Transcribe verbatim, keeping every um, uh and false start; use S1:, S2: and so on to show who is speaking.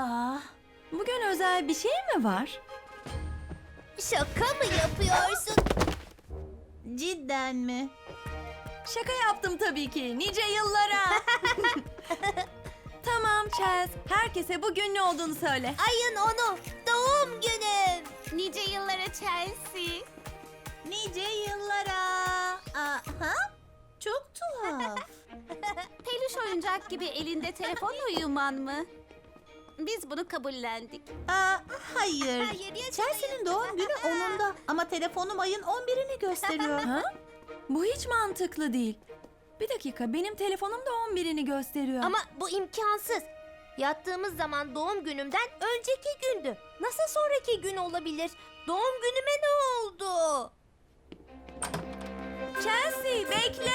S1: Aa, bugün özel bir şey mi var?
S2: Şaka mı yapıyorsun?
S3: Cidden mi?
S1: Şaka yaptım tabii ki. Nice yıllara. Tamam Chelsea. Herkese bugün ne olduğunu söyle.
S2: Ayın onu. Doğum günüm.
S4: Nice yıllara Chelsea.
S3: Nice yıllara. Aha. Çok tuhaf.
S4: Peluş oyuncak gibi elinde telefonla uyuman mı? Biz bunu kabullendik.
S3: Aa, hayır.
S2: Hayır, yaşamayın.
S3: Chelsea'nin doğum günü onunda ama telefonum ayın on birini gösteriyor.
S1: Ha? Bu hiç mantıklı değil. Bir dakika, benim telefonum da on birini gösteriyor.
S2: Ama bu imkansız. Yattığımız zaman doğum günümden önceki gündü. Nasıl sonraki gün olabilir? Doğum günüme ne oldu?
S1: Chelsea bekle.